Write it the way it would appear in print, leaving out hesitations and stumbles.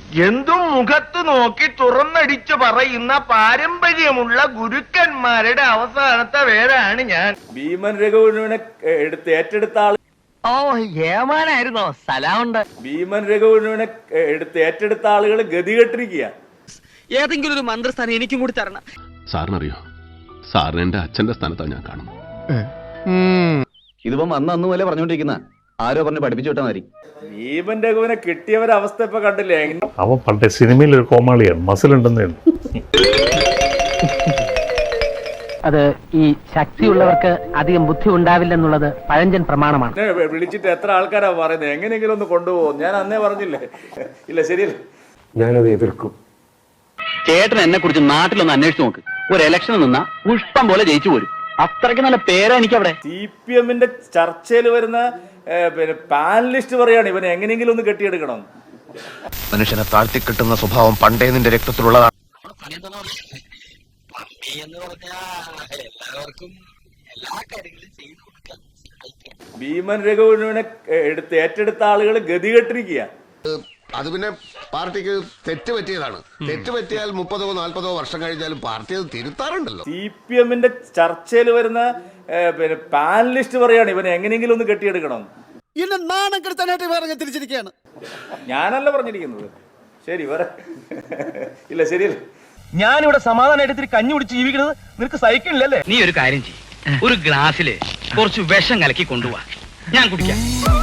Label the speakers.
Speaker 1: എന്തും മുഖത്ത് നോക്കി തുറന്നടിച്ചു പറയുന്ന പാരമ്പര്യമുള്ള ഗുരുക്കന്മാരുടെ അവസാനത്തെ പേരാണ് ഞാൻ.
Speaker 2: ഭീമൻ രഘുവിനെ ഏറ്റെടുത്ത ആൾ
Speaker 3: ഏമാനായിരുന്നോ? സ്ഥലമുണ്ട്.
Speaker 2: ഭീമൻ രഘുവിനെ ഏറ്റെടുത്ത ആളുകൾ ഗതികെട്ടിരിക്കുക.
Speaker 3: ഏതെങ്കിലും ഒരു മന്ത്രിസ്ഥാനം എനിക്കും കൂടി തരണം.
Speaker 4: സാറിനറിയോ, സാറിന് എന്റെ അച്ഛന്റെ സ്ഥാനത്താണ് ഞാൻ കാണുന്നത്.
Speaker 5: ഇതിപ്പം അന്ന് പോലെ പറഞ്ഞോണ്ടിരിക്കുന്ന ആരോ പറഞ്ഞ് പഠിപ്പിച്ചു വിട്ടാൽ മതി.
Speaker 2: ഭീമൻ രഘുവിനെ കിട്ടിയവരവസ്ഥ ഇപ്പൊ കണ്ടില്ലേ?
Speaker 6: അവൻ പണ്ടേ സിനിമയിൽ ഒരു കോമാളിയാണ്, മസിലുണ്ടെന്നേ.
Speaker 3: അത് ഈ ശക്തിയുള്ളവർക്ക് അധികം ബുദ്ധി ഉണ്ടാവില്ലെന്നുള്ളത് പഴഞ്ചൻ പ്രമാണമാണ്.
Speaker 2: വിളിച്ചിട്ട് എത്ര ആൾക്കാരാ പറയുന്നത് എങ്ങനെയെങ്കിലും ഒന്ന് കൊണ്ടുപോകും. ഞാൻ അന്നേ പറഞ്ഞില്ലേ? ഇല്ല, ശരിയല്ല.
Speaker 7: ഞാനത് എതിർക്കും.
Speaker 5: ചേട്ടൻ എന്നെ കുറിച്ച് നാട്ടിലൊന്ന് അന്വേഷിച്ച് നോക്ക്. ഒരു ഇലക്ഷൻ നിന്നാ പുഷ്പം പോലെ ജയിച്ചു പോരും. അത്രയ്ക്ക് നല്ല പേരാ എനിക്ക് അവിടെ.
Speaker 2: CPM ചർച്ചയിൽ വരുന്ന പാനലിസ്റ്റ് പറയാണ് ഇവനെ എങ്ങനെയെങ്കിലും ഒന്ന് കെട്ടിയെടുക്കണം.
Speaker 1: മനുഷ്യനെ താഴ്ത്തി കിട്ടുന്ന സ്വഭാവം പണ്ടേ നിന്റെ രക്തത്തിലുള്ളതാണ്.
Speaker 2: ഭീമൻ രഘുവിനെ ഏറ്റെടുത്ത ആളുകൾ ഗതികെട്ടിരിക്കുക.
Speaker 8: അത് പിന്നെ പാർട്ടിക്ക് തെറ്റ് പറ്റിയതാണ്. തെറ്റ് പറ്റിയാൽ 30-40 വർഷം കഴിഞ്ഞാലും പാർട്ടി അത് തിരുത്താറുണ്ടല്ലോ.
Speaker 2: CPM ചർച്ചയിൽ വരുന്ന പാനലിസ്റ്റ് പറയാണ് ഇവനെ എങ്ങനെയെങ്കിലും ഒന്ന് കെട്ടിയെടുക്കണം.
Speaker 3: തിരിച്ചിരിക്കുകയാണ്.
Speaker 2: ഞാനല്ല പറഞ്ഞിരിക്കുന്നത്. ശരി, വേറെ ഇല്ല, ശരിയല്ല.
Speaker 1: ഞാനിവിടെ സമാധാനമായിട്ട് ഇത്തിരി കഞ്ഞി കുടിച്ച് ജീവിക്കുന്നത് നിനക്ക് സഹിക്കണില്ലല്ലേ?
Speaker 3: നീ ഒരു കാര്യം ചെയ്യ്, ഒരു ഗ്ലാസ്സില് കുറച്ച് വിഷം കലക്കി കൊണ്ടുപോവാ, ഞാൻ കുടിക്കാം.